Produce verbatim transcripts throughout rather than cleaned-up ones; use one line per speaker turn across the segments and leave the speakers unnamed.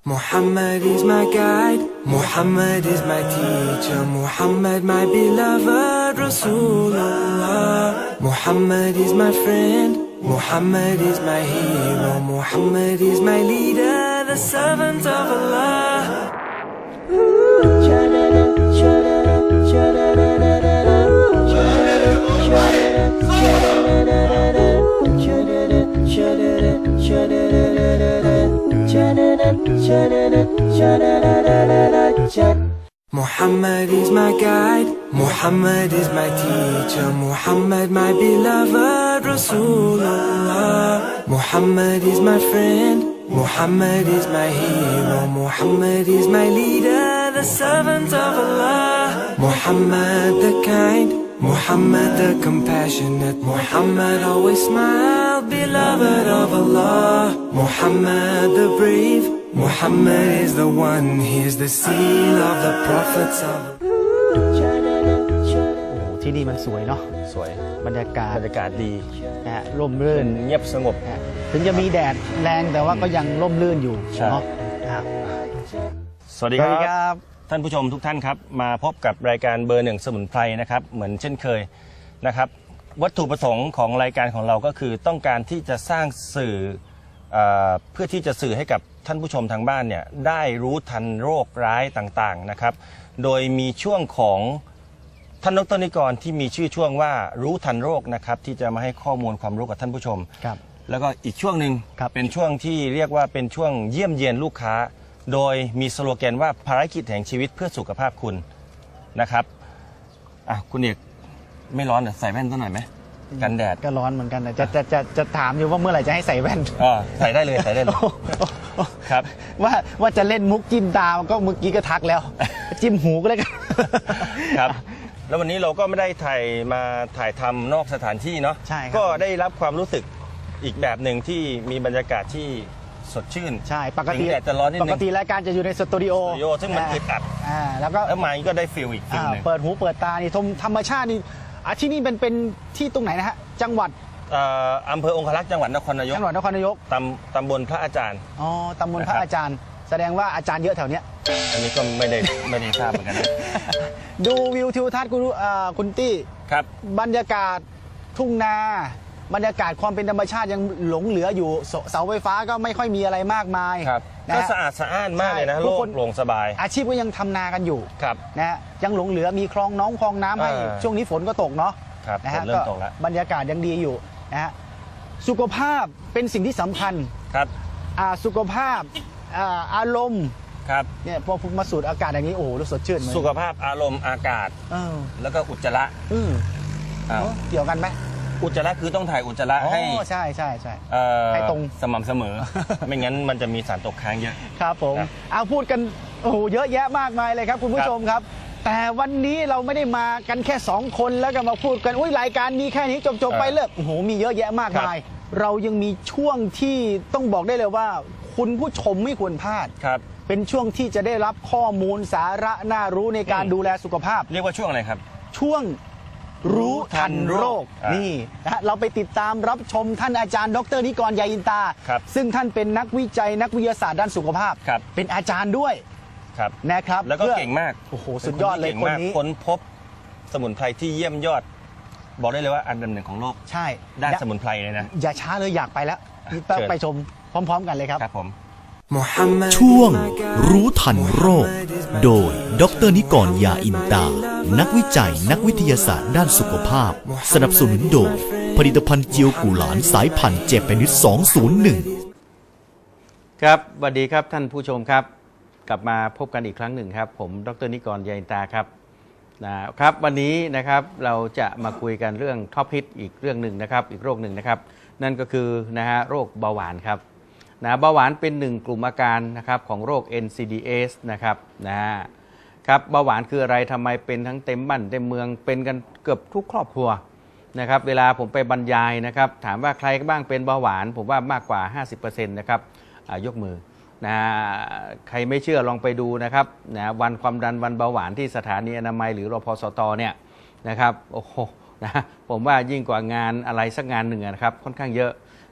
Muhammad is my guide, Muhammad is my teacher, Muhammad my beloved Rasulullah. Muhammad is my friend, Muhammad is my hero, Muhammad is my leader, the servant of Allah. Muhammad is my guide, Muhammad is my teacher, Muhammad my beloved Rasulullah. Muhammad is my friend, Muhammad is my hero, Muhammad is my leader, the servant of Allah. Muhammad the kind, Muhammad the compassionate, Muhammad always smiled, beloved of Allah. Muhammad the brave, Muhammad is the one, he is the seal of the prophets of
ที่นี่มันสวยเนาะ
สวย
บรรยากาศ
บรรยากาศดี
นะฮะร่มรื่น
เงียบสงบ
ถึงจะมีแดดแรงแต่ว่าก็ยังร่มรื่นอยู่เนาะครับ
สวัสดีครับท่านผู้ชมทุกท่านครับมาพบกับรายการเบอร์หนึ่งสมุนไพรนะครับเหมือนเช่นเคยนะครับวัตถุประสงค์ของรายการของเราก็คือต้องการที่จะสร้างสื่อเพื่อที่จะสื่อให้กับท่านผู้ชมทางบ้านเนี่ยได้รู้ทันโรคร้ายต่างๆนะครับโดยมีช่วงของท่านดร.นิกรที่มีชื่อช่วงว่ารู้ทันโรคนะครับที่จะมาให้ข้อมูลความรู้กับท่านผู้ชม
ครับ
แล้วก็อีกช่วงหนึ่งเป็นช่วงที่เรียกว่าเป็นช่วงเยี่ยมเยียนลูกค้าโดยมีสโลแกนว่าภารกิจแห่งชีวิตเพื่อสุขภาพคุณนะครับอ่ะคุณเอกไม่ร้อนเหรอใส่แว่นสักหน่อยไหมกันแดด
ก็ร้อนเหมือนกันนะจะจะจะจะถามอยู่ว่าเมื่อไหร่จะให้ใส่แว่น
อ๋อใส่ได้เลยใส่ได้เลยครับ
ว่าว่าจะเล่นมุกจิ้มตาก็เมื่อกี้ก็ทักแล้วจิ้มหูก็ได้
ครับแล้ววันนี้เราก็ไม่ได้ถ่ายมาถ่ายทำนอกสถานที่เนาะ
ใช่
ก็ได้รับความรู้สึกอีกแบบหนึ่งที่มีบรรยากาศที่สดชื่น
ใช่ปกติ
แดดจะร้อนนิดนึง
ปกติรายการจะอยู่ในสตูดิโอ
สตูดิโอซึ่งมันอึดอัด
อ่าแล้วก็
แล้วมาก็ได้ฟีลอีกฟีลนึง
เปิดหูเปิดตานี่ธรรมชาตินี่อ่ะที่นี่เป็นเป็นที่ตรงไหนนะฮะจังหวัด
อำเภอองครักษ์จังหวัดนครนายก
จังหวัดนครนายก
ตำตำบลพระอาจารย์
อ๋อตำบลพระอาจารย์แสดงว่าอาจารย์เยอะแถวเนี้ย
อันนี้ก็ไม่ได้ไม่ได้ทราบเหมือนกันนะ
ดูวิวทิวทัศน์คุณคุณตี้
ครับ
บรรยากาศทุ่งนาบรรยากาศความเป็นธรรมชาติยังหลงเหลืออยู่เสาไฟฟ้าก็ไม่ค่อยมีอะไรมากมาย
ครับก็สะอาดสะอ้านมากเลยนะโล่งโปร่งสบาย
อาชีพก็ยังทำนากันอยู่
ครับ
นะยังหลงเหลือมีคลองน้องคลองน้ำให้ช่วงนี้ฝนก็ตกเนาะ
นะฮะ
ก็บรรยากาศยังดีอยู่นะฮะสุขภาพเป็นสิ่งที่สำคัญ
ครับ
สุขภาพอารมณ์
ครับ
เนี่ยพอมาสูดอากาศอย่างนี้โอ้โหรู้สดชื่น
สุขภาพอารมณ์อากาศแล้วก็อุจจาระ
เกี่ยวกันไหม
อุจจาระคือต้องถ่ายอุจจาระให้
ใช่ใช่ใช่
ให้ตรงสม่ำเสมอไม่งั้นมันจะมีสารตกค้างเยอะ
ครับผมเอาพูดกันโอ้โหเยอะแยะมากมายเลยครับคุณผู้ชมครับแต่วันนี้เราไม่ได้มากันแค่สองคนแล้วก็มาพูดกันอุ้ยรายการมีแค่นี้จบๆไปเลิกโอ้โหมีเยอะแยะมากมายเรายังมีช่วงที่ต้องบอกได้เลยว่าคุณผู้ชมไม่ควรพลาด
ครับ
เป็นช่วงที่จะได้รับข้อมูลสาระน่ารู้ในการดูแลสุขภาพ
เรียกว่าช่วงอะไรครับ
ช่วงรู้ทันโรคนี่นะเราไปติดตามรับชมท่านอาจารย์ดร.นิกร ยาอินตาซึ่งท่านเป็นนักวิจัยนักวิทยาศาสตร์ด้านสุขภาพเป็นอาจารย์ด้วยนะครับ
แล้วก็เก่งมาก
โอ้โหสุดยอดเลยคนนี้
ค้นพบสมุนไพรที่เยี่ยมยอดบอกได้เลยว่าอันดับหนึ่งของโลก
ใช่
ด้านสมุนไพรเลยนะ
อย่าช้าเลยอยากไปแล้วไปชมพร้อมๆกันเลยครับ
ครับผม
ช่วงรู้ทันโรคโดยดร.นิกร ยาอินตานักวิจัยนักวิทยาศาสตร์ด้านสุขภาพสนับสนุนโดยผลิตภัณฑ์เจียวกุหลานสายพันธุ์เจแปนิสสองศูนย์หนึ่ง
ครับสวัสดีครับท่านผู้ชมครับกลับมาพบกันอีกครั้งหนึ่งครับผมดร.นิกร ยาอินตาครับนะครับวันนี้นะครับเราจะมาคุยกันเรื่องท็อปฮิตอีกเรื่องหนึ่งนะครับอีกโรคหนึ่งนะครับนั่นก็คือนะฮะโรคเบาหวานครับนะเบาหวานเป็นหนึ่งกลุ่มอาการนะครับของโรค เอ็น ซี ดี เอส นะครับนะครับเบาหวานคืออะไรทำไมเป็นทั้งเต็มบ้านเต็มเมืองเป็นกันเกือบทุกครอบครัวนะครับเวลาผมไปบรรยายนะครับถามว่าใครบ้างเป็นเบาหวานผมว่ามากกว่า ห้าสิบเปอร์เซ็นต์ นะครับยกมือนะใครไม่เชื่อลองไปดูนะครับนะวันความดันวันเบาหวานที่สถานีอนามัยหรือรพสตเนี่ยนะครับโอ้โหนะผมว่ายิ่งกว่างานอะไรสักงานหนึ่งนะครับค่อนข้างเยอะ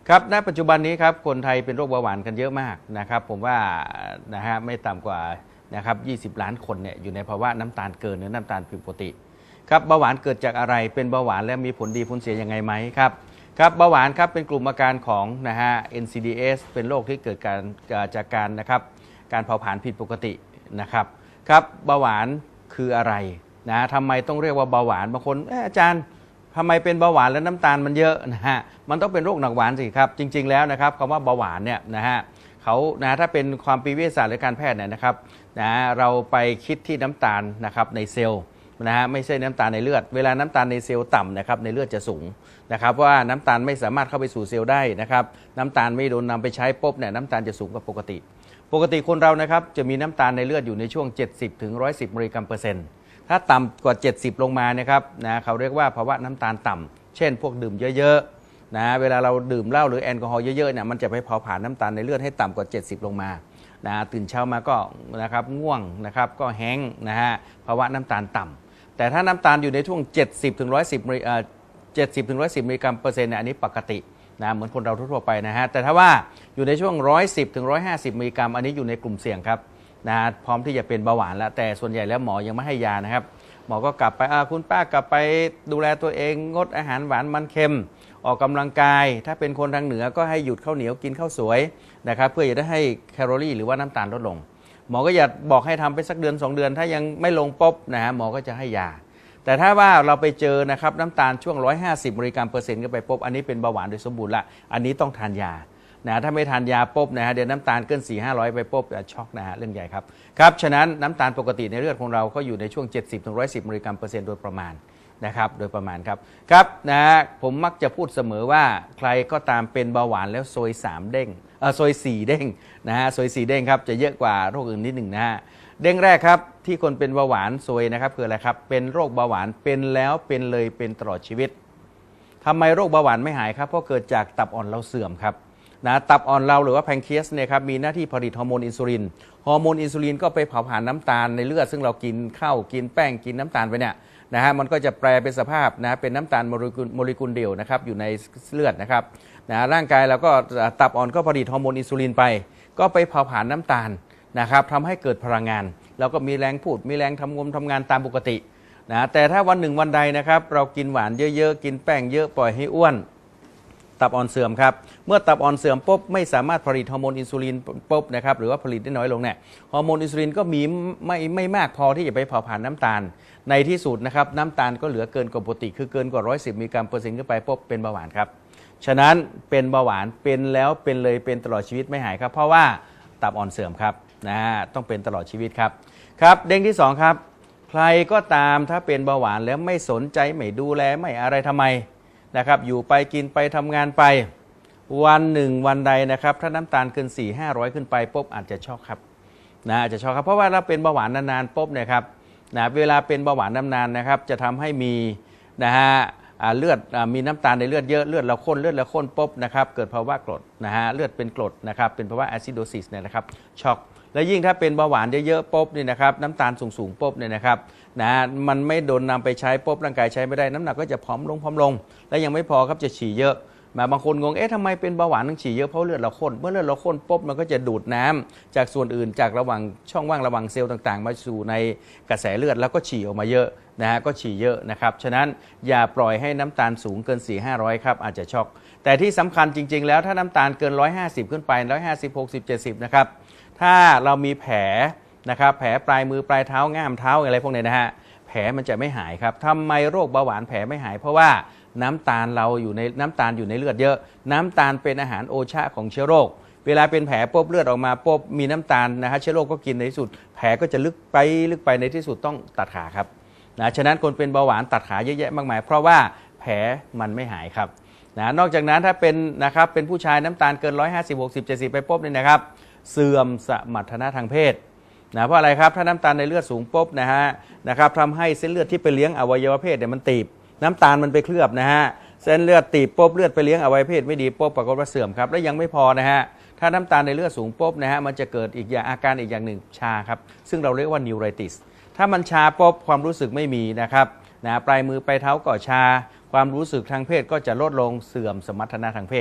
ครับณปัจจุบันนี้ครับคนไทยเป็นโรคเบาหวานกันเยอะมากนะครับผมว่านะฮะไม่ต่ำกว่านะครับยี่สิบล้านคนเนี่ยอยู่ในภาวะน้ำตาลเกินหรือน้ำตาลผิดปกติครับเบาหวานเกิดจากอะไรเป็นเบาหวานแล้วมีผลดีผลเสียยังไงไหมครับครับเบาหวานครับเป็นกลุ่มอาการของนะฮะ เอ็น ซี ดี เอส เป็นโรคที่เกิดการจากการนะครับการเผาผลาญผิดปกตินะครับครับเบาหวานคืออะไรนะทำไมต้องเรียกว่าเบาหวานบางคนอาจารย์ทำไมเป็นเบาหวานแล้วน้ำตาลมันเยอะนะฮะมันต้องเป็นโรคหนักหวานสิครับจริงๆแล้วนะครับคำว่าเบาหวานเนี่ยนะฮะเขานะถ้าเป็นความปีวิทยาศาสตร์หรือการแพทย์เนี่ยนะครับนะเราไปคิดที่น้ำตาลนะครับในเซลล์นะฮะไม่ใช่น้ำตาลในเลือดเวลาน้ำตาลในเซลล์ต่ำนะครับในเลือดจะสูงนะครับเพราะว่าน้ำตาลไม่สามารถเข้าไปสู่เซลล์ได้นะครับน้ำตาลไม่โดนนำไปใช้ปุ๊บเนี่ยน้ำตาลจะสูงกว่าปกติปกติคนเรานะครับจะมีน้ำตาลในเลือดอยู่ในช่วงเจ็ดสิบถึงหนึ่งร้อยสิบมิลลิกรัมเปอร์เซ็นต์ถ้าต่ำกว่าเจ็ดสิบลงมานะครับนะเขาเรียกว่าภาวะน้ำตาลต่ำเช่นพวกดื่มเยอะๆนะเวลาเราดื่มเหล้าหรือแอลกอฮอล์เยอะๆเนี่ยมันจะไปเผาผลาญน้ำตาลในเลือดให้ต่ำกว่าเจ็ดสิบลงมานะตื่นเช้ามาก็นะครับง่วงนะครับก็แห้งนะฮะภาวะน้ำตาลต่ำแต่ถ้าน้ำตาลอยู่ในช่วงเจ็ดสิบถึงหนึ่งร้อยสิบเอ่อเจ็ดสิบถึงหนึ่งร้อยสิบมิลลิกรัมเปอร์เซ็นต์เนี่ยอันนี้ปกตินะเหมือนคนเราทั่วไปนะฮะแต่ถ้าว่าอยู่ในช่วงหนึ่งร้อยสิบถึงหนึ่งร้อยห้าสิบมิลลิกรัมอันนี้อยู่ในกลุ่มเสี่ยงครับนะพร้อมที่จะเป็นเบาหวานแล้วแต่ส่วนใหญ่แล้วหมอยังไม่ให้ยานะครับหมอก็กลับไปคุณป้ากลับไปดูแลตัวเองงดอาหารหวานมันเค็มออกกำลังกายถ้าเป็นคนทางเหนือก็ให้หยุดข้าวเหนียวกินข้าวสวยนะครับเพื่อจะได้ให้แคลอรี่หรือว่าน้ำตาลลดลงหมอก็อย่าบอกให้ทำไปสักเดือนสองเดือนถ้ายังไม่ลงปุ๊บนะฮะหมอก็จะให้ยาแต่ถ้าว่าเราไปเจอนะครับน้ำตาลช่วงหนึ่งร้อยห้าสิบมิลลิกรัมเปอร์เซ็นต์ก็ไปปุ๊บอันนี้เป็นเบาหวานโดยสมบูรณ์ละอันนี้ต้องทานยานะถ้าไม่ทานยาปุ๊บนะฮะเดี๋ยวน้ำตาลเกินสี่ห้าร้อยไปปุ๊บจะช็อกนะฮะเรื่องใหญ่ครับครับฉะนั้นน้ำตาลปกติในเลือดของเราก็อยู่ในช่วงเจ็ดสิบถึงหนึ่งร้อยสิบมิลลิกรัมเปอร์เซ็นต์โดยประมาณนะครับโดยประมาณครับครับนะผมมักจะพูดเสมอว่าใครก็ตามเป็นเบาหวานแล้วซอยสามเด้งเออซอยสี่เด้งนะฮะซอยสี่เด้งครับจะเยอะกว่าโรคอื่นนิดหนึ่งนะฮะเด้งแรกครับที่คนเป็นเบาหวานซวยนะครับคืออะไรครับเป็นโรคเบาหวานเป็นแล้วเป็นเลยเป็นตลอดชีวิตทำไมโรคเบาหวานไม่หายครับเพราะเกิดจากตับอ่อนเราเสื่อมครับนะตับอ่อนเราหรือว่าแพนเครียสเนี่ยครับมีหน้าที่ผลิตฮอร์โมนอินซูลินฮอร์โมนอินซูลินก็ไปเผาผลาญน้ำตาลในเลือดซึ่งเรากินข้าวกินแป้งกินน้ำตาลไปเนี่ยนะฮะมันก็จะแปลเป็นสภาพนะเป็นน้ำตาลโมเลกุลโมเลกุลเดียวนะครับอยู่ในเลือดนะครับนะร่างกายเราก็ตับอ่อนก็ผลิตฮอร์โมนอินซูลินไปก็ไปเผาผลาญน้ำตาลนะครับทำให้เกิดพลังงานแล้วก็มีแรงพูดมีแรงทำงมทำงานตามปกตินะแต่ถ้าวันหนึ่งวันใดนะครับเรากินหวานเยอะๆกินแป้งเยอะปล่อยให้อ้วนตับอ่อนเสื่อมครับเมื่อตับอ่อนเสื่อมปุ๊บไม่สามารถผลิตฮอร์โมนอินซูลินปุ๊บนะครับหรือว่าผลิตได้น้อยลงเนี่ยฮอร์โมนอินซูลินก็มีไม่ไม่มากพอที่จะไปเผาผลาญน้ำตาลในที่สุดนะครับน้ำตาลก็เหลือเกินกว่าปกติคือเกินกว่าหนึ่งร้อยสิบมิลลิกรัมเปอร์เซ็นต์ขึ้นไปปุ๊บเป็นเบาหวานครับฉะนั้นเป็นเบาหวานเป็นแล้วเป็นเลยเป็นตลอดชีวิตไม่หายครับเพราะว่าตับอ่อนเสื่อมครับนะต้องเป็นตลอดชีวิตครับครับเด้งที่สองครับใครก็ตามถ้าเป็นเบาหวานแล้วไม่สนใจไม่ดูแลไม่อะไรทำไมนะครับอยู่ไปกินไปทำงานไปวันหนึ่งวันใดนะครับถ้าน้ำตาลเกินสี่ห้าร้อยขึ้นไปปุ๊บอาจจะช็อกครับนะอาจจะช็อกครับเพราะว่าเราเป็นเบาหวานนานๆปุ๊บเนี่ยครับนะเวลาเป็นเบาหวานนานๆนะครับจะทำให้มีนะฮะเลือดมีน้ำตาลในเลือดเยอะเลือดเราข้นเลือดเราข้นปุ๊บนะครับเกิดภาวะกรดนะฮะเลือดเป็นกรดนะครับเป็นภาวะแอซิโดซิสเนี่ยนะครับช็อกและยิ่งถ้าเป็นเบาหวานเยอะๆปุ๊บนี่นะครับน้ำตาลสูงๆปุ๊บเนี่ยนะครับนะมันไม่โดนนำไปใช้ปุ๊บร่างกายใช้ไม่ได้น้ำหนักก็จะผอมลงผอมลงและยังไม่พอครับจะฉี่เยอะมาบางคนงงเอ๊ะทำไมเป็นเบาหวานต้องฉี่เยอะเพราะเลือดเราข้นเมื่อเลือดเราข้นปุ๊บมันก็จะดูดน้ำจากส่วนอื่นจากระหว่างช่องว่างระหว่างเซลล์ต่างๆมาสู่ในกระแสเลือดแล้วก็ฉี่ออกมาเยอะนะฮะก็ฉี่เยอะนะครับฉะนั้นอย่าปล่อยให้น้ำตาลสูงเกิน สี่ห้าร้อย ครับอาจจะช็อกแต่ที่สำคัญจริงๆแล้วถ้าน้ำตาลเกินหนึ่งร้อยห้าสิบขึ้นไปหนึ่งร้อยห้าสิบ หกสิบ เจ็ดสิบนะครับถ้าเรามีแผลนะครับแผลปลายมือปลายเท้าง่ามเท้าอะไรพวกนี้นะฮะแผลมันจะไม่หายครับทำไมโรคเบาหวานแผลไม่หายเพราะว่าน้ำตาลเราอยู่ในน้ำตาลอยู่ในเลือดเยอะน้ำตาลเป็นอาหารโอชะของเชื้อโรคเวลาเป็นแผลปุ๊บเลือดออกมาปุ๊บมีน้ำตาลนะฮะเชื้อโรคก็กินในที่สุดแผลก็จะลึกไปลึกไปในที่สุดต้องตัดขาครับนะฉะนั้นคนเป็นเบาหวานตัดขาเยอะแยะมากมายเพราะว่าแผลมันไม่หายครับนะนอกจากนั้นถ้าเป็นนะครับเป็นผู้ชายน้ำตาลเกินหนึ่งร้อยห้าสิบ หกสิบ เจ็ดสิบไปปุ๊บเนี่ยนะครับเสื่อมสมรรถนะทางเพศนะเพราะอะไรครับถ้าน้ำตาลในเลือดสูงปุ๊บนะฮะนะครับทำให้เส้นเลือดที่ไปเลี้ยงอวัยวะเพศเนี่ยมันตีบน้ำตาลมันไปเคลือบนะฮะเส้นเลือดตีบปุ๊บเลือดไปเลี้ยงอวัยวะเพศไม่ดีปุ๊บปรากฏว่าเสื่อมครับและยังไม่พอนะฮะถ้าน้ำตาลในเลือดสูงปุ๊บนะฮะมันจะเกิดอีกอย่างอาการอีกอย่างหนึ่งชาครับซึ่งเราเรียกว่านิวไรติสถ้ามันชาปุ๊บความรู้สึกไม่มีนะครับนะปลายมือปลายเท้าก็ชาความรู้สึกทางเพศก็จะลดลงเสื่อมสมรรถนะทางเพศ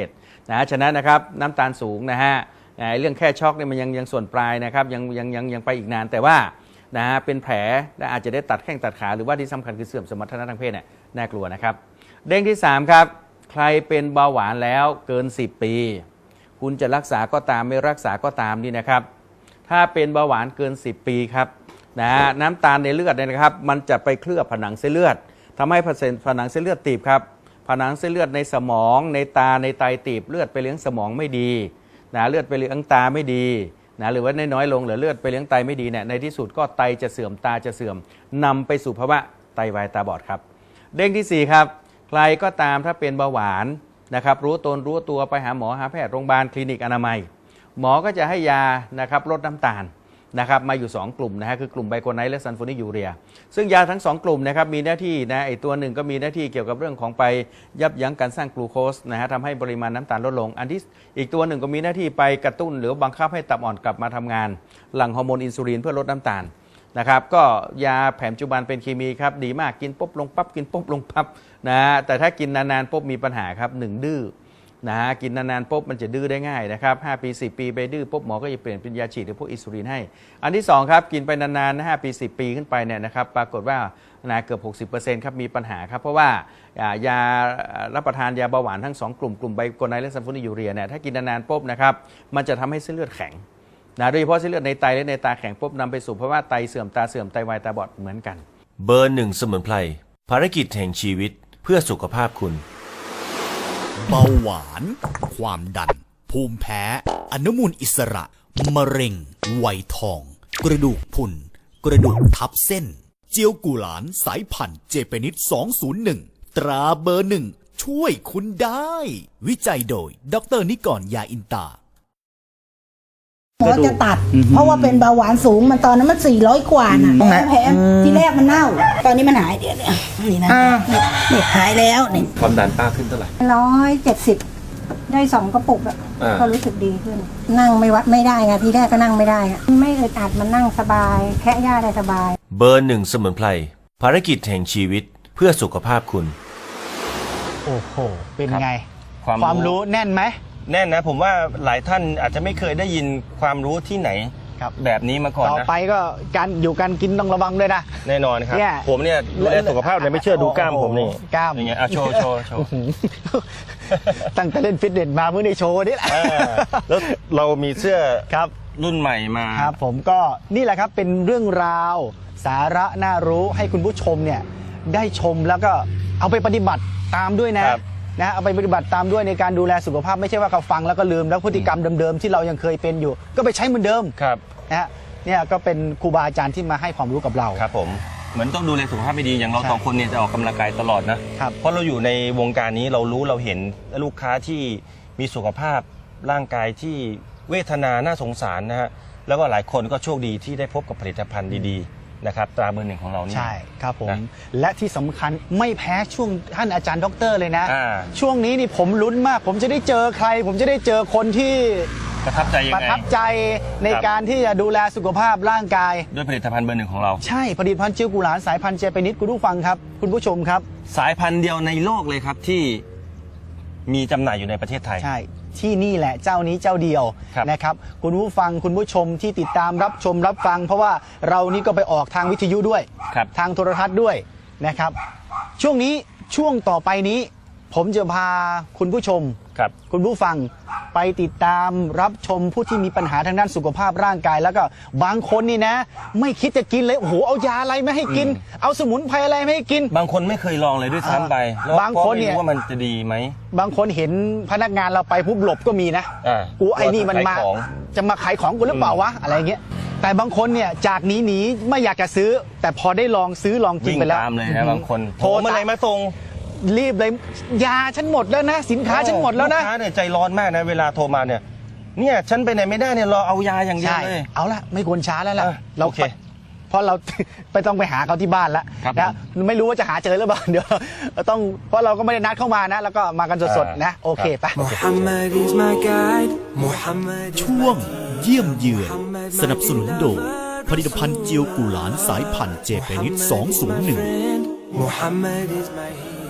นะฉะนั้นนะครับน้ำตาลสูงนะฮะเรื่องแค่ช็อกเนี่ยมันยังยังส่วนปลายนะครับยังยังยังยังไปอีกนานแต่ว่านะฮะเป็นแผลและอาจจะได้ตัดแข้งตัดขาหรือว่าที่สำคัญคือเสื่อมสมรรถนะทางเพศเนี่ยน่ากลัวนะครับเด้งที่สามครับใครเป็นเบาหวานแล้วเกินสิบปีคุณจะรักษาก็ตามไม่รักษาก็ตามนี่นะครับถ้าเป็นเบาหวานเกินสิบปีครับนะน้ำตาลในเลือดเนี่ยนะครับมันจะไปเคลือบผนังเส้นเลือดทำให้ผนังเส้นเลือดตีบครับผนังเส้นเลือดในสมองในตาในไตตีบเลือดไปเลี้ยงสมองไม่ดีนะเลือดไปเลี้ยงตาไม่ดีนะหรือว่าน้อยๆลงหรือเลือดไปเลี้ยงไตไม่ดีเนี่ยในที่สุดก็ไตจะเสื่อมตาจะเสื่อมนำไปสู่ภาวะไตวายตาบอดครับเด้งที่สี่ครับใครก็ตามถ้าเป็นเบาหวานนะครับรู้ตนรู้ตัวไปหาหมอหาแพทย์โรงพยาบาลคลินิกอนามัยหมอก็จะให้ยานะครับลดน้ำตาลนะครับมาอยู่ สอง กลุ่มนะฮะคือกลุ่มไบโคไนท์และซัลฟูริกยูเรียซึ่งยาทั้ง สอง กลุ่มนะครับมีหน้าที่นะไอตัวหนึ่งก็มีหน้าที่เกี่ยวกับเรื่องของไปยับยั้งการสร้างกลูโคสนะฮะทำให้ปริมาณน้ำตาลลดลงอันที่อีกตัวหนึ่งก็มีหน้าที่ไปกระตุ้นหรือบังคับให้ตับอ่อนกลับมาทำงานหลั่งฮอร์โมนอินซูลินเพื่อลดน้ำตาลนะครับก็ยาแผนปัจจุบันเป็นเคมีครับดีมากกินปุ๊บลงปั๊บกินปุ๊บลงปั๊บนะแต่ถ้ากินนานๆปุ๊บมีปัญหาครับหนึ่งดื้อนะฮะกินนานๆปุ๊บมันจะดื้อได้ง่ายนะครับห้าปีสิบปีไปดื้อปุ๊บหมอก็จะเปลี่ยนเป็นยาฉีดหรือพวกอินซูลินให้อันที่สองครับกินไปนานๆห้าปีสิบปีขึ้นไปเนี่ยนะครับปรากฏว่านะเกือบ หกสิบเปอร์เซ็นต์ ครับมีปัญหาครับเพราะว่ายารับประทานยาเบาหวานทั้งสองกลุ่มกลุ่มไบโคไนท์และซัลฟูริกยูเรียเนี่ยถ้ากินนานๆปุ๊บนะครับมันจะทำให้เส้นเลือดแข็งนะโดยเฉพาะเส้นเลือดในไตและในตาแข็งปุ๊บนำไปสู่ภาวะไตเสื่อมตาเสื่อมไตวายตาบอดเหมือนกัน
เบอร์หนึ่งสมุนไพรภารกิจแห่งชีวิตเพื่อสุขภาพคุณ
เบาหวาน ความดัน ภูมิแพ้ อนุมูลอิสระ มะเร็ง ไวทอง กระดูกพรุน กระดูกทับเส้น เจียวกุหลานสายพันธุ์เจเปนิดสองศูนย์หนึ่ง ตราเบอร์หนึ่ง ช่วยคุณได้ วิจัยโดย ดร.นิกร ยาอินตา
หมอจะตัดเพราะว่าเป็นเบาหวานสูงมันตอนนั้นมันสี่ร้อยกว่าน่ะแผลที่แรกมันเน่าตอนนี้มันหายเดี๋ยวเนี่ยนี่นะเนี่ยหายแล้วนี่
ความดันป้าขึ้นเท่าไหร่
ร้อยเจ็ดสิบได้สองกระปุกอะก็รู้สึกดีขึ้นนั่งไม่วัดไม่ได้ไงทีแรกก็นั่งไม่ได้อะไม่อึดอัดมันนั่งสบายแค่ย่าได้สบาย
เบอร์หนึ่งสมุนไพรภารกิจแห่งชีวิตเพื่อสุขภาพคุณ
โอ้โหเป็นไงความรู้แน่นไหม
แน่นนะผมว่าหลายท่านอาจจะไม่เคยได้ยินความรู้ที่ไหนแบบนี้มาก่อนนะ
ต่อไปก็การอยู่การกินต้องระวังด้วยนะ
แน่นอนครับผมเนี่ยดูแลสุขภาพเนี่ยไม่เชื่อดูกล้ามผมนี่
กล้าม
อย่างเงี้ยโชว์โชว์โชว์
ตั้งแต่เล่นฟิตเนสมาเมื่อในโชว์นี่แหละ
แล้วเรามีเสื้อครับรุ่นใหม่มา
ครับผมก็นี่แหละครับเป็นเรื่องราวสาระน่ารู้ให้คุณผู้ชมเนี่ยได้ชมแล้วก็เอาไปปฏิบัติตามด้วยนะนะเอาไปปฏิบัติตามด้วยในการดูแลสุขภาพไม่ใช่ว่าเขาฟังแล้วก็ลืมแล้วพฤติกรรมเดิมๆที่เรายังเคยเป็นอยู่ก็ไปใช้เหมือนเดิม
ครับ
นะฮะเนี่ยก็เป็นครูบาอาจารย์ที่มาให้ความรู้กับเรา
ครับผมเหมือนต้องดูแลสุขภาพไม่ดีอย่างเราสองคนเนี่ยจะออกกำลังกายตลอดนะครับเพราะเราอยู่ในวงการนี้เรารู้เราเห็นลูกค้าที่มีสุขภาพร่างกายที่เวทนาน่าสงสารนะฮะแล้วก็หลายคนก็โชคดีที่ได้พบกับผลิตภัณฑ์ดีๆนะครับตราเบอร์หนึ่งของเรานี่
ใช่ครับผมและที่สำคัญไม่แพ้ช่วงท่านอาจารย์ด็อกเตอร์เลยนะช่วงนี้นี่ผมลุ้นมากผมจะได้เจอใครผมจะได้เจอคนที่
ประทับใจยังไง
ประทับใจในการที่จะดูแลสุขภาพร่างกาย
ด้วยผลิตภัณฑ์เบอร์หนึ่งของเรา
ใช่ผลิตภัณฑ์เจียวกุหลาบสายพันธุ์เจแปนิดคุณผู้ฟังครับคุณผู้ชมครับ
สายพันธุ์เดียวในโลกเลยครับที่มีจำหน่ายอยู่ในประเทศไทย
ใช่ที่นี่แหละเจ้านี้เจ้าเดียวนะครับคุณผู้ฟังคุณผู้ชมที่ติดตามรับชมรับฟังเพราะว่าเรานี่ก็ไปออกทางวิทยุด้วยทางโทรทัศน์ด้วยนะครับช่วงนี้ช่วงต่อไปนี้ผมจะพาคุณผู้ชม
ครับ
คุณผู้ฟังไปติดตามรับชมผู้ที่มีปัญหาทางด้านสุขภาพร่างกายแล้วก็บางคนนี่นะไม่คิดจะกินเลยโอ้โหเอายาอะไรไม่ให้กินเอาสมุนไพรอะไรไม่ให้กิน
บางคนไม่เคยลองเลยด้วยซ้ำไป
บางคนเนี่ย
ว่ามันจะดีไหม
บางคนเห็นพนักงานเราไปปุ๊บหลบก็มีนะกูไอ้นี่มันมาจะมาขายของกูหรือเปล่าวะอะไรเงี้ยแต่บางคนเนี่ยจากนี้หนีไม่อยากจะซื้อแต่พอได้ลองซื้อลองกินไปแล้ว
ตามเลยนะบางคนโทรเมื่อไหร่มาส่ง
รีบเลยยาฉันหมดแล้วนะสินค้าฉันหมดแล้วนะ
ลูกค้าเนี่ยใจร้อนมากนะเวลาโทรมาเนี่ยเนี่ยฉันไปไหนไม่ได้เนี่ยรอเอายาอย่างเดียวเลย
เอาละไม่ควรช้าแล้วล่ะเราเพราะเราไปต้องไปหาเขาที่บ้านแล้วนะไม่รู้ว่าจะหาเจอหรือเปล่าเดี๋ยวต้องเพราะเราก็ไม่ได้นัดเข้ามานะแล้วก็มากันสดๆนะโอเคไป
ช่วงเยี่ยมเยือนสนับสนุนโดยผลิตภัณฑ์เจียวกุหลาบสายพันธุ์เจแปนิดสองศูนย์หนึ่ง
ค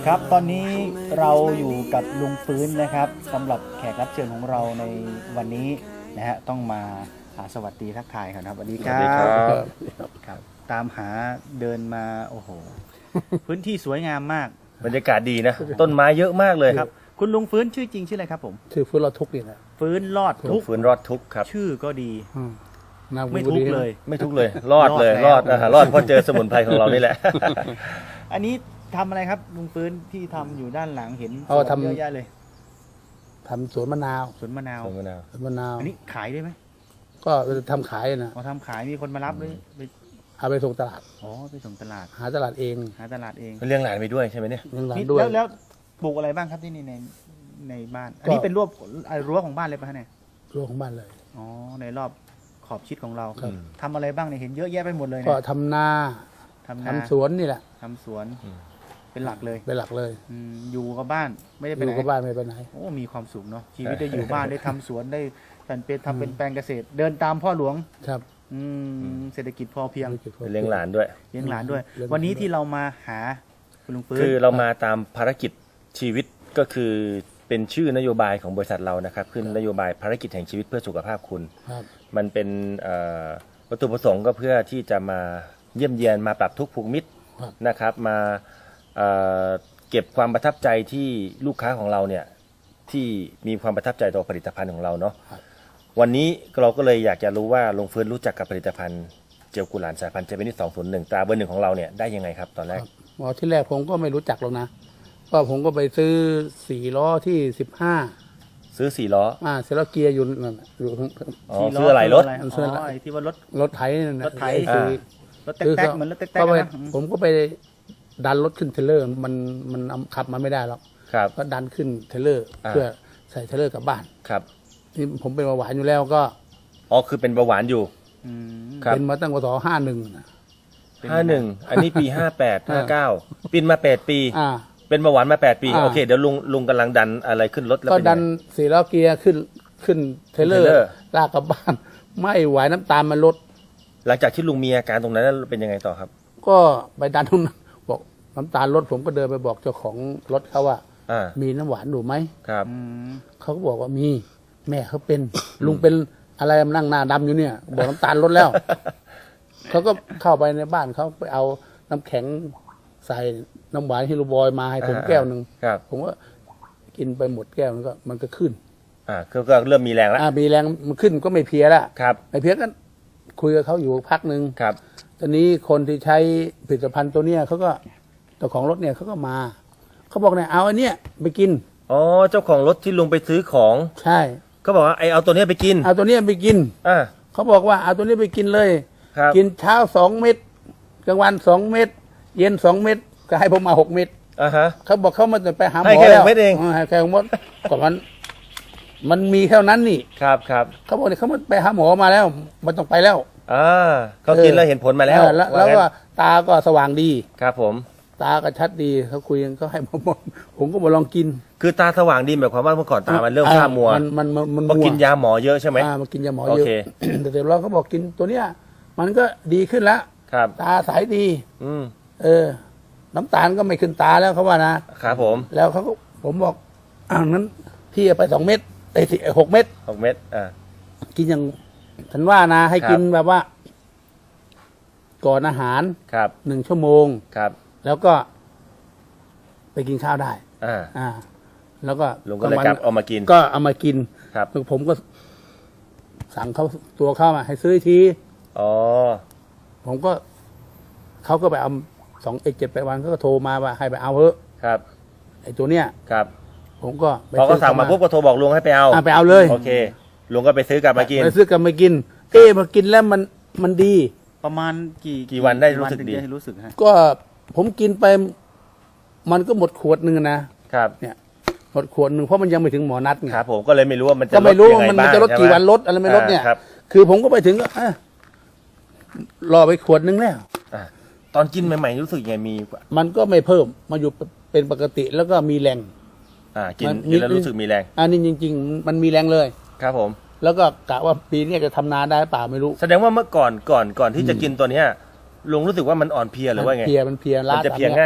ครับ ตอนนี้เราอยู่กับลุงฟื้นนะครับสำหรับแขกรับเชิญของเราในวันนี้นะฮะต้องมาหาสวัสดีทักทายครับสวัสดีครับ
สวัสดีครับ
ครับ ตามหาเดินมาโอ้โห พื้นที่สวยงามมาก
บรรยากาศดีนะ ต้นไม้เยอะมากเลย
ครับ คุณลุงฟื้นชื่อจริงชื่ออะไรครับผม
ชื่อฟื้นเราทุกข์นี่นะ
ฟื้นรอด
ลุ
ทุ
ง
กข์
ฟื้นรอดทุกข์ครับ
ชื่อก็ดี
อืมน่า
ไม่
บุ
ทุก
รี
ข์
นะ
เลย
ไม่ทุกข์เลย รอดเลย
ร
ร
อ
อ
ด
ด
แล้ว
นะฮะรอดเพราะเจอสมุนไพรของเรานี่แหละ
อันนี้ทำอะไรครับลุงฟื้นที่ทำอยู่ด้านหลังเห็น
เอาทำ
เยอะแยะเลย
ทำสวนมะนาว
สวนมะนาว
สวนมะนาว
สวนมะนาว
อันนี้ขายได้ไหม
ก็ทำขายนะ
เอาทำขายมีคนมารับเลยไป
เอาไปส่งตลาด
อ๋อไปส่งตลาด
หาตลาดเอง
หาตลาดเอง
เลี้ยงหลานไปด้วยใช่ไหมเนี่ย
เงินหลาน
นี่
ด้วย
แล้วแล้วปลูกอะไรบ้างครับที่นี่ในในบ้าน อันนี้
ก็
เป็นรั้วอ่ารั้วของบ้านเลยป่ะเนี่ย
รั้วของบ้านเลย
อ๋อในรอบขอบชิดของเรา
ครับ
ทำอะไรบ้างเนี่ยเห็นเยอะแยะไปหมดเลย
ก็
เนี่ย
ทำนา
ทำนา
ทำสวนนี่แหละ
ทำสวน
อืม
เป็นหลักเลย
เป็นหลักเลย
อืมอยู่กับบ้านไม่ได้ไป
อ
ไห
ยู่
น
กับบ้านไม่ไปไหน
โอ้มีความสุขเนาะชีวิตได้อยู่บ้านได้ทำสวนได้เป็นเป็นทำเป็นแปลงเกษตร เดินตามพ่อหลวง
ครับ
อืมเศรษฐกิจพอเพียง
เลี้ยงหลานด้วย
เลี้ยงหลานด้วย
เลี้ยงหลาน
วันนี้ที่เรามาหาคุณลุงฟื้น
คือเรามาตามภารกิจชีวิตก็คือเป็นชื่อนโยบายของบริษัทเรานะครับขึ้นนโยบายภารกิจแห่งชีวิตเพื่อสุขภาพคุณ
ครับ
มันเป็นเอ่อวัตถุประสงค์ก็เพื่อที่จะมาเยี่ยมเยียนมาปรับทุกข์ผูกมิตร
ครับ
นะครับมาเอ่อเก็บความประทับใจที่ลูกค้าของเราเนี่ยที่มีความประทับใจต่อผลิตภัณฑ์ของเราเนาะ
ครับ
วันนี้เราก็เลยอยากจะรู้ว่าลงฟื้นรู้จักกับผลิตภัณฑ์เจลกุหลาบสายพันธุ์เจเปนิสสองศูนย์หนึ่งตราเบอร์หนึ่งของเราเนี่ยได้ยังไงครับตอนแรก
ครับอ๋อที่แรกผมก็ไม่รู้จักหรอกนะก็ผมก็ไปซื้อสี่ล้อที่สิบห้า
ซื้อสี่ล้อ
อ่าเซลเกียร์อยู่นั่นน่ะอยู่ข้าง
อ๋อ
ที่
ซื้ออะไรรถ
มันซื้ออะไร
ไอ้ที่ว่ารถ
รถไถนั่นน่ะ
รถไถ
อ้ซื้อ
รถแต๊กๆเหมือนรถแต๊ก
ก็
ๆ
ไป
นะ
ผมก็ไปดันรถขึ้นเทรลเลอร์ มันมันเอาขับมาไม่ได้หรอก
ครับ
ก็ดันขึ้นเทรลเลอร์
อ่า
เพื่อใส่เทรลเลอร์กลับบ้าน
ครับ
ที่ผมเป็นเบาหวานอยู่แล้วก็
อ๋อคือเป็นเบาหวานอยู่
อืม
ครับ
เป็นมาตั้งแต่ห้าหนึ่งนะ
ห้าหนึ่งอันนี้ปีห้าแปดห้าเก้าปีนมาแปดปี
อ่า
เป็นเบาหวานมาแปดปี
อ่า
โอเคเดี๋ยวลุงลุงกำลังดันอะไรขึ้นรถแล้ว
ก็
เป็น
ดั
ยัง
น
ไง
สี่ล้อเกียร์ขึ้นขึ้นเทรลเลอ
เทรลเลอร์
ร์ลากกลับบ้าน ไม่ไหวน้ำตาลมันลด
หลังจากที่ลุงมีอาการตรงนั้นแล้วเป็นยังไงต่อครับ
ก็ไปดันตรงนั้นบอกน้ำตาลลดผมก็เดินไปบอกเจ้าของรถเขาว่า
อ่า
มีน้ำหวานอยู่ไหม
ครับ
อืม
เขาก็บอกว่ามีแม่เขาเป็น ลุงเป็นอะไรมานั่งหน้าดำอยู่เนี่ย บอกน้ำตาลลดแล้ว เขาก็เข้าไปในบ้านเขาไปเอาน้ำแข็งใส่น้ำหวานฮิโรบอยมาให้ผม
อ่า
แก้วหนึ่ง
ครับ
ผมก็กินไปหมดแก้วมันก็มันก็ขึ้น
อ่าก็ก็เริ่มมีแรงแล้ว
อ่ามีแรงมันขึ้นก็ไม่เพลียละ
ครับ
ไม่เพลียก็คุยกับเขาอยู่พักหนึ่ง
ครับ
ตอนนี้คนที่ใช้ผลิตภัณฑ์ตัวเนี้ยเขาก็เจ้าของรถเนี่ยเขาก็มาเขาบอกเนี่ยเอาอันเนี้ยไปกิน
อ๋อเจ้าของรถที่ลุงไปซื้อของ
ใช่
เขาบอกว่าไอเอาตัวเนี้ยไปกิน
เอาตัวเนี้ยไปกิน
อ่า
เขาบอกว่าเอาตัวนี้ไปกินเลย
ครับ
กินเช้าสองเม็ดกลางวันสองเม็ดเย็นสองเม็ดก็ให้ผมมาหกเม็ด
อ่าฮะ
เขาบอกเขามาจะไปหาหมอ
ให้แค่
แล้ว
หกเม็ดเอง
ให้แค่หกเม็ดก่อนมันมันมีเท่านั้นนี่
ครับครับ
เขาบอกเนี่ยเขามาไปหาหมอมาแล้วมันต้องไปแล้ว
อ่าเขากินแล้วเห็นผลมาแล้ว
เออแล้วแล้ว
างั้น
ก็ตาก็สว่างดี
ครับผม
ตาก็ชัดดีเขาคุยกันก็ให้ผมบอกผมก็มาลองกิน
คือตาสว่างดีหมายความว่าเมื่อก่อนตามันเริ่มฝ้ามัว
มันมันมันมัน
เพราะ
มัว
กินยาหมอเยอะใช่ไหม
อ่ามากินยาหมอ
โอ
เยอะ
เค
แต่เดี๋ยวเราเขาบอกกินตัวเนี้ย มันก็ดีขึ้นแล้ว
ครับ
ตาใสดี
อืม
เออ น้ำตาลก็ไม่ขึ้นตาแล้วเขาว่านะครับ
ผม
แล้วเขาก็ผมบอกอ่านั้นพี่เอาไปสองเม็ดไอ้ที่หกเม็ด
หกเม็ดอ่า
กินอย่างฉันว่านะ ให้
ครับ
กินแบบว่า ก่อนอาหาร
ครับ
หนึ่งชั่วโมง
ครับ
แล้วก็ ไปกินข้าวได้
อ่า
อ่า แล้วก็
ลุงก็เลยกลับเอามากิน
ก็เอามากิน
ครับ
ผมก็ สั่งเขาตัวเข้ามาให้ซื้ออีกที
อ๋อ
ผมก็เขาก็ไปเอาสองเอกเจ็ดแปดวันเขาก็โทรมาว่าให้ไปเอาเถอะ
ครับ
ไอ้ตัวเนี้ย
ครับ
ผมก็ไป
พอเขา
ซื้อ
สั่งมาปุ๊บก็โทรบอกลุงให้ไปเอา
อ่ะไปเอาเลย
โอเคลุงก็ไปซื้อกลับมากิน
ไปซื้อกลับมากิน เอ๊ะมากินแล้วมันมันดี
ประมาณกี่
กี่วันได้รู้สึกดี
ถึงจะรู้สึกฮะ
ก็ผมกินไป มันก็หมดขวดหนึ่งนะครับ เนี่ย หมดขวดหนึ่งเพราะมันยังไม่ถึงหมอนัดไง
ครับผมก็เลยไม่รู้ว่ามันจะ
ก็ไม่รู้
ลด
ว่า
ยัง
มัน
ไง
มัน
บ้าง
จะลด
ใช่ไห
กี่วันลดอะไรไม่ลดเนี่ย
อ่าครับ
คือผมก็ไปถึงก็อ่ะรอไปขวดหนึงแล้ว
อ่าตอนกินใหม่ๆรู้สึกยังไงมี
มันก็ไม่เพิ่มมาอยู่เป็นปกติแล้วก็มีแรง
อ่ากิน
มัน
กินแล้ว
นิด
รู้สึกมีแรง
อันนี้จริง ๆ มันมีแรงเลย
ครับผม
แล้วก็กะว่าปีนี้จะทำนาได้เปล่าไม่รู้
แสดงว่าเมื่อก่อนก่อนก่อนที่จะกินตัวเนี้ยลุงรู้สึกว่ามันอ่อนเพลียหรือว่าไง
มันเพลียมันเพลีย
มัน
ล้า
จะเพลีย
ตม
ง่าย
พ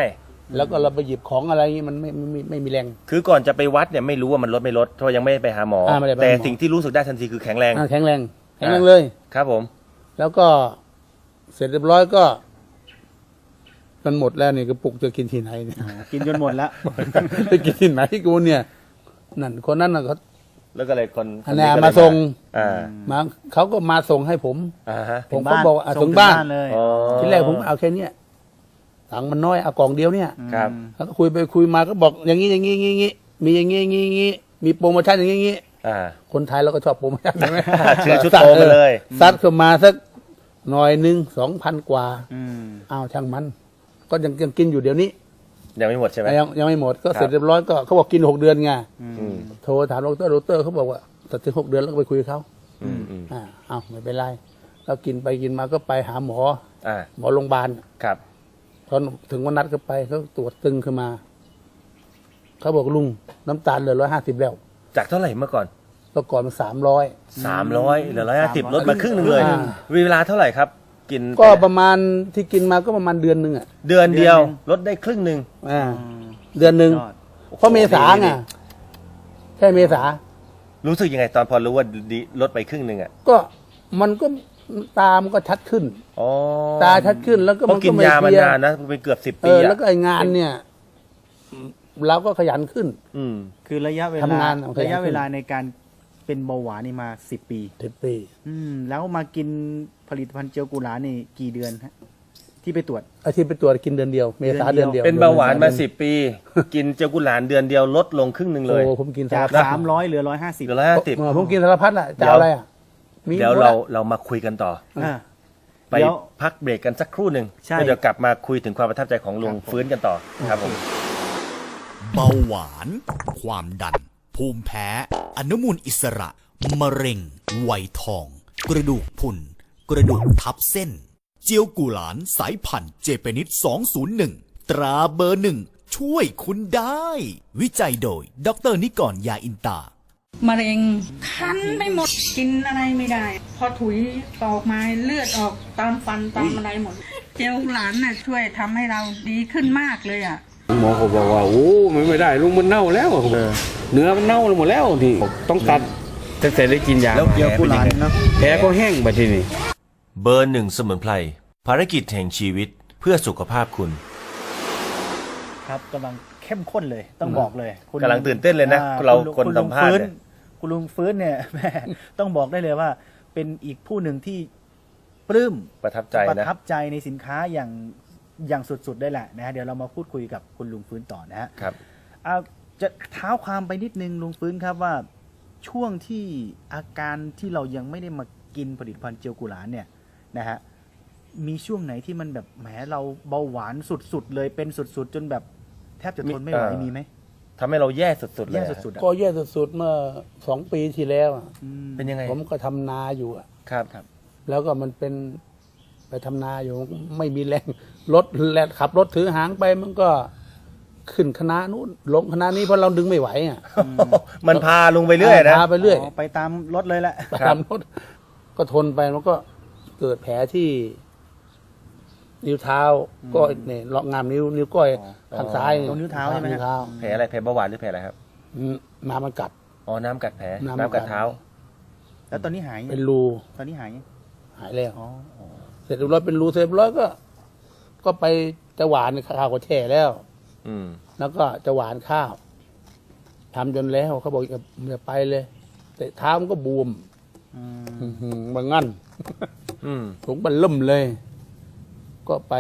แล้วก็เราไปหยิบของอะไรอย่างงี้มันไม่ไม่ไม่ไม่มีแรง
คือก่อนจะไปวัดเนี่ยไม่รู้ว่ามันลดไม่ลดเพราะยังไม่ได้ไปหาหมอ
อ่าไม่ได้ไปหาหมอ
แต่สิ่งที่รู้สึกได้ทันทีคือแข็งแรง
อ่าแข็งแรงแข็งแรงเลย
ครับผม
แล้วก็เสร็จเรียบร้อยก็มันหมดแล้วนี่กระปุกจะกินที่ไหนเนี่ย
กินจนหมดแล้ว
ไปกินที่ไหนกูเนี่ยนั่นคนนั้นน่ะเขา
แล้วก็เลยคน
อันนี้
ก็เลย
มาส่ง
อ่า
มาเขาก็มาส่งให้ผม
อ่าฮะ
ผมก็บอกว่าอ่ะส่งบ้าน
เลย
อ๋อ
ทีแรกผมเอาแค่เนี้ยตังค์มันน้อยเอากล่องเดียวเนี่ย
ครับ
แล้วก็คุยไปคุยมาก็บอกอย่างนี้อย่างนี้อย่างนี้มีอย่างนี้อย่างนี้อย่างนี้มีโปรโมชั่นอย่างนี้อย่างนี้
อ่า
คนไทยเราก็ชอบโปรโมชั่นใช่ไหม
เชื่อชุดโตมาเลย
ซัดเข้ามาสักหน่อยหนึ่งสองพันกว่า
อืม
อ้าวช่างมัน ก็ยังยังกินอยู่เดี๋ยวนี้
ยังไม่หมดใช่ไหม
ยังยังไม่หมดก็
ครับ
เสร็จเรียบร้อยก็เขาบอกกินหกเดือนไง
อืม
โทรถามดรดรเขาบอกว่าตัดถึงหกเดือนแล้วก็ไปคุยกับเขา
อืมอืม
อ่าอ้าวไม่เป็นไรเรากินไปกินมาก็ไปหาหมอ
อ่า
หมอโรงพยาบาล
ครับ
ตอนถึงวันนัดก็ไปเขาตรวจตึงขึ้นมาเขาบอกลุงน้ำตาลเหลือร้อยห้าสิบแล้ว
จากเท่าไหร่เมื่อก่อน
เมื่อก่อนมันสามร้อย
สามร้อยเหลือร้อยห้าสิบลดมาครึ่งหนึ่งเลย
อ่า
เวลาเท่าไหร่ครับ กิน
ก็ประมาณที่กินมาก็ประมาณเดือนหนึ่งอ่ะ
เดือนเดียวลดได้ครึ่งหนึ่ง
อ่าเดือนหนึ่ง
ยอด
เพราะเมษาไงใช่เมษา
รู้สึกยังไงตอนพอรู้ว่าดีลดไปครึ่งหนึ่งอ่ะ
ก็มันก็ตามันก็ชัดขึ้น
อ๋อ
ตาชัดขึ้นแล้วก็
เพราะกิน
ไ
ยามา
เพลี
นานนะเป็นเกือบสิบ
เอ
ปี
อ
อ่ะ
แล้วก็ไองานเนี่ย เราก็ขยันขึ้น
อืม
คือระยะเวลา
ทำงานเอาขยัน
ระยะเวลาในการเป็นเบาหวานนี่มาสิบปี
สิบปี
อืมแล้วมากินผลิตภัณฑ์เจลกุหลาบนี่กี่เดือนฮะที่ไปตรวจ
อาทิตย์ไปตรวจกินเดือนเดียว เมษา
เดื
เดื
อ
อน น
เดี
เดี
ย
ยว ว
เป็นเบาหวานมาสิบปี กินเจลกุหลาบเดือนเดียวลดลงครึ่งหนึ่งเลย
โอ้ผมกิน
จาก
สารพัด
สามร้อยเหลือร้อยห้าสิบ
เหลือร้อยห้าสิบ
เออผมกินสารพัดอ่ะจะเอาอะไรอ่ะมี
เดี๋ยว
หม
เรา
อะ
เรามาคุยกันต่อ
อ่า
ไป
เดี๋ยว
พักเบรกกันสักครู่หนึ่ง
ใช่
แล้วเดี๋ยวกลับมาคุยถึงความประทับใจของลุงฟื้นกันต่อครับผม
เบาหวาน ความดัน ภูมิแพ้ อนุมูลอิสระ มะเร็ง ไวยทอง กระดูกพรุน กระดูกทับเส้น เจียวกุหลานสายพันธุ์เจเปนิดสองศูนย์หนึ่ง ตราเบอร์หนึ่ง ช่วยคุณได้ วิจัยโดย ดรนิกร ยาอินตา
มะเร็งคันไปหมดกินอะไรไม่ได้ พอถุยออกมาเลือดออกตามฟันตามอะไรหมด เจลหลานน่ะช่วยทำให้เราดีขึ้นมากเลยอ่ะ
หมอเขาบอกว่าโอ้มันไม่ได้ลุงมันเน่าแล้วเนื้อมันเน่าหมดแล้วที่ต้องตัดแต่เสร็จได้กินยา
แล้วแผลเป็นยังไง
แผลก็แห้งไปทีนี้
เบอร์หนึ่งสมุนไพรภารกิจแห่งชีวิตเพื่อสุขภาพคุณ
ครับกำลังเข้มข้นเลยต้องบอกเลยคุณ
กำลังตื่นเต้นเลยนะ
อ่
เรา
ณลุง
คน
ณลุง
สัมภาษณ์
ฟื้น
เนี่ย
คุณลุงฟื้นเนี่ย แม่ต้องบอกได้เลยว่า เป็นอีกผู้หนึ่งที่ปลื้ม
ประทับใจ
ประ
นะ
ทับใจในสินค้าอย่างอย่างสุดๆได้แหละนะฮะเดี๋ยวเรามาพูดคุยกับคุณลุงฟื้นต่อนะฮะ
ครับ
เอาจะเท้าความไปนิดนึงลุงฟื้นครับว่าช่วงที่อาการที่เรายังไม่ได้มากินผลิตภัณฑ์เจลกุหลาบเนี่ยนะฮะมีช่วงไหนที่มันแบบแหมเราเบาหวานสุดๆเลยเป็นสุดๆ จนแบบแทบจะทนไม่ไหว
มีเอ่อ
มีไหม
ทำให้เราแย่สุดๆเลย
แย่
อะ
สุดๆอะ
ก็แย่สุดๆเมื่อสองปีที่แล้วอะ
อืม
เป็นยังไง
ผมก็ทำนาอยู่อะ
ครับครับ
แล้วก็มันเป็นไปทำนาอยู่ไม่มีแรงรถแลนขับรถถือหางไปมันก็ขึ้นคณะนู้นลงคณะนี้เพราะเราดึงไม่ไหวอ่ะ
มันพาลุงไปเรื่อยนะ
พาไปเรื่อย
อ๋อไปตามรถเลยแหละ
ไปตามรถก็ทนไปมันก็เกิดแผลที่ นิ้วเท้า ก็เนี่ยเลาะงามนิ้วนิ้วก้อยข้างซ้าย
ตรงนิ้วเท้าใช่ไหมฮะ
นิ้วเท้า
แผลอะไรแผลเบาหวานหรือแผลอะไรครับ
อืมน้ำมันกัด
อ๋อน้ำกัดแผล
น้ำกัด
น้ำกัดเท้า
แล้วตอนนี้หายยัง
เป็นรู
ตอนนี้หายยัง
หายแล้ว
อ๋ออ๋อ
เสร็จเรียบร้อยเป็นรูเสร็จเรียบร้อยก็ ก็ไปจะหวานข้าวก็แช่แล้ว
อืม
แล้วก็จะหวานข้าวทำจนแล้วเขาบอกอย่าอย่าไปเลย แต่เท้ามันก็บวม
อืม
อื้อหือบางงั้น
อืม
ถุงมันล่มเลย ก็ไป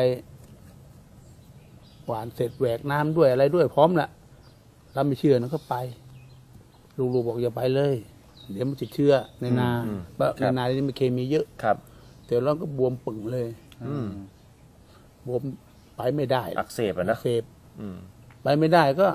หวานเสร็จแหวกน้ำด้วยอะไรด้วยพร้อมละเราไม่เชื่อนะก็ไปลุงๆบอกอย่าไปเลย เดี๋ยวมันติดเชื้อในนา
อืม
เพราะ
ครั
ใน
บ
นานี่มันเคมีเยอะ
ครับ
แต่เราก็บวมปึ่งเลย
อืม
บวมไปไม่ได้
อักเสบอ่ะนะ
อักเสบ
อืม
ไปไม่ได้ก็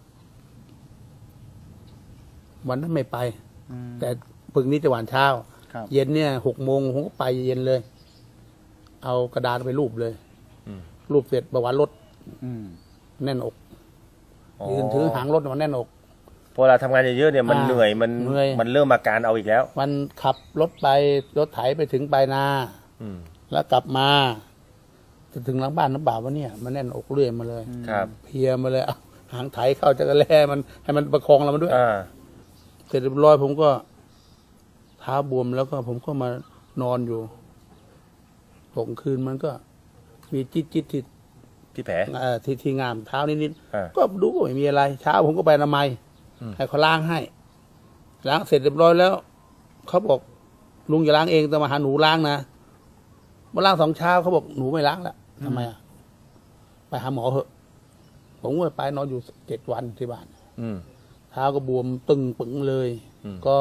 วันนั้นไม่ไป
อืม
แต่ปึ่งนี้จะหวานเช้า
ครับ
เย็นเนี่ยหกโมงผมก็ไปเย็นเลย เอากระดาษไปรูปเลย
อืม
รูปเสร็จประวัติรถ
อืม
แน่นอกยืนถือหางรถมันแน่นอก
พอเราทำงานเยอะๆเนี่ยมัน
อ่า
เหนื่อยมัน
เหนื่อย
มันเริ่มอาการเอาอีกแล้ว
มันขับรถไปรถไถไปถึงปลายนา
อืม
แล้วกลับมาจะถึงหลังบ้านน้ำบ่าววะเนี่ยมันแน่นอกเรื่อยมาเลย
ครับ
เพลียมาเลยเอาหางไถเข้าจะกระแล่มันให้มันประคองเรามาด้วย
อ่า
เสร็จเรียบร้อยผมก็เท้าบวมแล้วก็ผมก็มานอนอยู่หกคืนมันก็มีจิตจิตที่
ที่แผล
เอ่อที่ที่งามเท้านิด
อ่า
ๆก็ดูก็ไม่มีอะไร เช้าผมก็ไปอนามัยให้เขาล้างให้ล้างเสร็จเรียบร้อยแล้วเขาบอกลุงอย่าล้างเองแต่มาหาหนูล้างนะมาล้างสองเช้าเขาบอกหนูไม่ล้างแล้วทำไมอ่ะไปหาหมอเหอะผมก็ไปนอนอยู่เจ็ดวันที่บ้าน
อืม
เท้าก็บวมตึงปึงเลย
อืม
ก็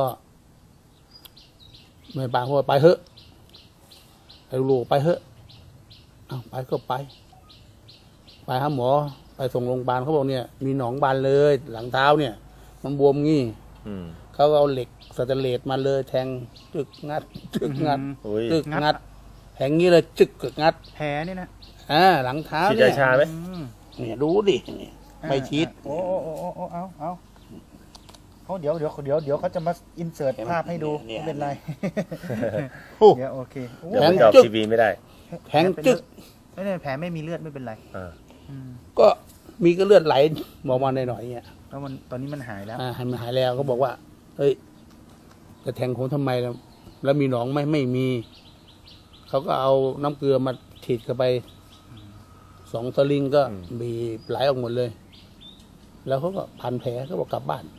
ไม่ปางว่าไปเถอะไอ้ลูกไปเถอะเอาไปก็ไป ไปหาหมอไปส่งโรงพยาบาลเขาบอกเนี่ยมีหนองบานเลย หลังเท้าเนี่ย มันบวมงี้
อืม
เขาก็เอาเหล็กสแตนเลสมาเลย แทงจึกงัดจึกงัด
โอ้ย
จึกงัดแทงงี้เลยจึกกึกงัด
แผลนี่นะ
อ่าหลังเท้า
ฉีด
เนี่ย
ยาชาไหม
เนี่ยดูดิเนี่ยไม่ชิด
โอ้โอ้โอ้โอ้โอ้เอาเอาเขาเดี๋ยวเดี๋ยวเดี๋ยวเดี๋ยวเขาจะมาอินเสิร์ตภาพให้ดู
เนี่ย
ไม่เป็นไร
โอ้
เดี๋ยวโอเคโอ้
เดี๋ยว
แผล
มันจะออก
จึ๊ก
ทีวีไม่ได้
แทงจึก
ไม่ได้แผลไม่มีเลือดไม่เป็นไร
อ่า
อืม
ก็มีก็เลือดไหลมองมาหน่อยๆเนี่ย
แล้วมันตอนนี้มันหายแล้ว
อ่าให้มันหายแล้วก็บอกว่า เฮ้ยจะแทงผมทำไมแล้วแล้วมีหนองไหมไม่มี เขาก็เอาน้ำเกลือมาฉีดเข้าไปสองสลิงก็บีบไหลออกหมดเลย แล้วเขาก็พันแผลเขาบอกกลับบ้าน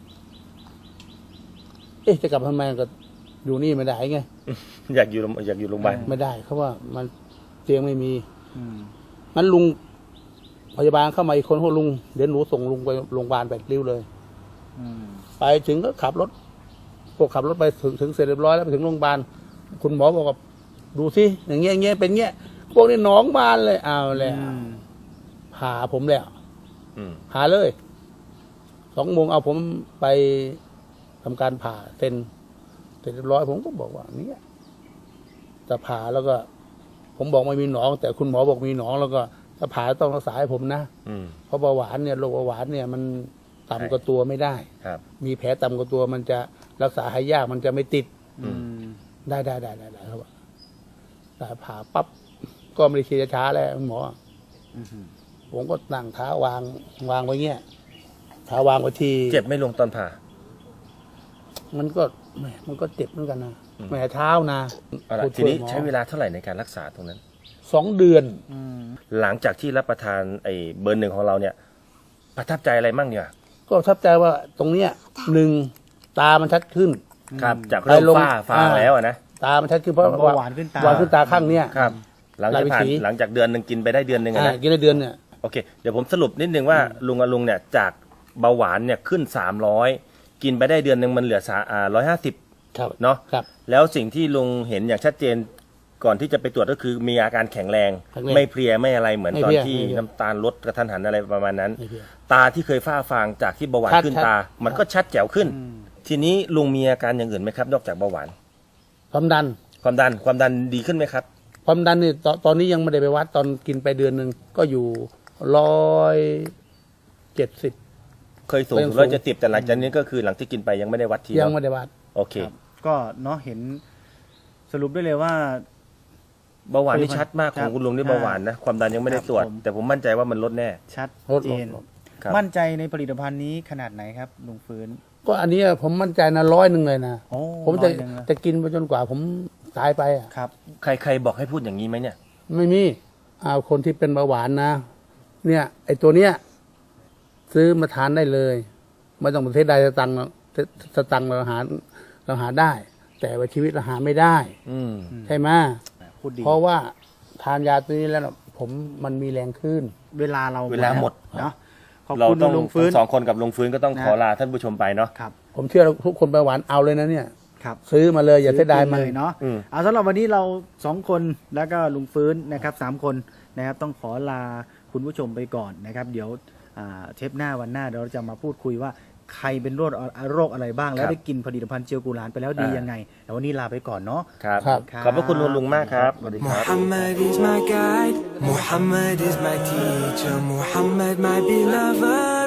เอ๊ะจะกลับทำไมก็อยู่นี่ไม่ได้ไง
อยากอยู่โรงอยากอยู่โรงพยาบาล
ไม่ได้เขาว่ามันเตียงไม่มี
อืม
งั้นลุงพยาบาลเข้ามาอีกคนเขาลุงเดี๋ยวหนูส่งลุงไปโรงพยาบาลไปริ้วเลย
อืม
ไปถึงก็ขับรถพวกขับรถไปถึงถึงเสร็จเรียบร้อยแล้วไปถึงโรงพยาบาลคุณหมอบอกว่าดูสิอย่างเงี้ยอย่างเงี้ยเป็นเงี้ยพวกนี้หนองบานเลยเอาแล้วผ่าผมแล้ว
อืม
ผ่าเลยสองโมงเอาผมไปทำการผ่าเซ็นเสร็จเรียบร้อยผมก็บอกว่าเนี่ยจะผ่าแล้วก็ ผมบอกไม่มีหนอง แต่คุณหมอบอกมีหนองแล้วก็ถ้าผ่าต้องรักษาให้ผมนะ
อืม
เพราะเบาหวานเนี่ยโรคเบาหวานเนี่ยมันต่ำกว่าตัวไม่ได้
ครับ
มีแผลต่ำกว่าตัวมันจะรักษาให้ยากมันจะไม่ติด
อืม
ได้ได้ได้ได้ได้ครับว่าแต่ผ่าปั๊บก็ไม่ได้ฉีดยาช้าแล้วคุณหมออผมก็นั่งเท้าวางวางไว้เงี้ยเท้าวางไว้ที่
เจ็บไม่ลงตอนผ่า
มันก็แหมมันก็เจ็บเหมือนกันนะ
อืม
แหมเท้านะ
เอาล่ะ
ผู้
ที
ช่วย
นี้
หมอ
ใช้เวลาเท่าไหร่ในการรักษาตรงนั้น
สองเดือน
อืม
หลังจากที่รับประทานไอ้เบอร์หนึ่งของเราเนี่ย ประทับใจอะไรมั่งเนี่ย
ก็ประทับใจว่าตรงเนี้ยหนึ่งตามันชัดขึ้น
ครับ จากเริ่ม
ไปลง
ฝ้าฟาง
อ่า
แล้วอะนะ
ตามันชัดขึ้นเพราะ
เบาหวานขึ้นตา
หวานขึ้นตาข้างเนี้ย
ครับ หลังจากผ่าน
ลายวิถี
หลังจากเดือนหนึ่งกินไปได้เดือนหนึ่งอะ
อ่า
นะ
กินได้เดือนเนี่ย
โอเค เดี๋ยวผมสรุปนิดนึงว่าลุงกับลุงเนี่ยจากเบาหวานเนี่ยขึ้นสามร้อยกินไปได้เดือนหนึ่งมันเหลือสาอ่าร้อยห้าสิบ
ครับ
เนาะ
ครับ
แล้วสิ่งที่ลุงเห็นอย่างชัดเจนก่อนที่จะไปตรวจก็คือมีอาการแข็งแรง
แข็งแรง
ไม่เพลียไม่อะไรเหมือน
ไม่
ตอ
เพ
น
ลีย
ที่
ไม่เพลีย
น้ำตาลลดกระทันหันอะไรประมาณนั้น
ไม่เพลีย
ตาที่เคยฝ้าฟางจากที่เบาหวาน
ชัด
ขึ้น
ชัด
ตา มันก็ชัดแจ๋วขึ้น ทีนี้ลุงมีอาการอย่างอื่นไหมครับ นอกจากเบาหวาน
ความดัน
ความดันความดันดีขึ้นไหมครับ
ความดันนี่ตอนตอนนี้ยังไม่ได้ไปวัดตอนกินไปเดือนหนึ่งก็อยู่ร้อยเจ็ดสิบ
เคยสูง
ยัง
ถึง
สูง
ร้อยเจ็ดสิบแต่หลังจากนี้ก็คือหลังที่กินไปยังไม่ได้วัดที
ยัง
เนาะ
ไม่ได้วัด
โอเค
ก็เนาะเห็นสรุปได้เลยว่า
เบาหวานนี่ชัดมากของคุณลุงนี่
ครับ
เบาหวานนะความดันยังไม่ได้ตรวจ
ครับผม
แต่ผมมั่นใจว่ามันลดแน่
ชัด
ลด
เจน
ลด
ครับ
มั่นใจในผลิตภัณฑ์นี้ขนาดไหนครับลุงฟื้น
ก็อันนี้ผมมั่นใจนะร้อยหนึ่งเลยนะ
โอ้
ผมจะ
ร้อยหนึ่งนะ
จะกินไปจนกว่าผมตายไปอ่ะ
ครับ
ใครใครบอกให้พูดอย่างนี้ไหมเนี่ย
ไม่มีเอาคนที่เป็นเบาหวานนะ เนี่ย ไอตัวเนี้ยซื้อมาทานได้เลยไม่ต้องประเทศใดสตังค์สตังค์เราหาเราหาได้ แต่ว่าชีวิตเราหาไม่ได้
อืม
ใช่ไหม
พูดดี
เพราะว่าทานยาตัวนี้แล้วน่ะผมมันมีแรงขึ้น
เวลาเรา
เวลาหมด
เนาะขอบ
เรา
คุณ
ต้อง
ลุงฟื้น
สองคนกับลุงฟื้นก็ต้อง
นะ
ขอลาท่านผู้ชมไปเนาะ
ครับ
ผมเชื่อทุกคนเบาหวานเอาเลยนะเนี่ย
ครับ
ซื้อมาเลยอย่าเสียดายมัน
เลยเนาะ
อืม
เอาสำหรับวันนี้เราสองคนแล้วก็ลุงฟื้นนะครับสามคนนะครับต้องขอลาคุณผู้ชมไปก่อนนะครับ เดี๋ยวอ่าเทปหน้าวันหน้าเดี๋ยวเราจะมาพูดคุยว่าใครเป็นโรคโรคอะไรบ้าง แล้วได้กินผลิตภัณฑ์เจียวกุหลานไปแล้วดียังไงแต่วันนี้ลาไปก่อนเนาะ
ครับ
ครับ
ขอบพระคุณลุงลุงมากครับสวัสดีครับ
Muhammad is my guide, Muhammad is my teacher, Muhammad my beloved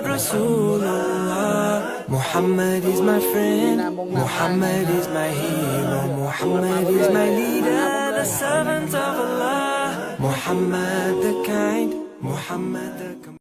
Rasulullah. Muhammad is my friend, Muhammad is my hero, Muhammad is my leader, the servant of Allah. Muhammad the kind, Muhammad the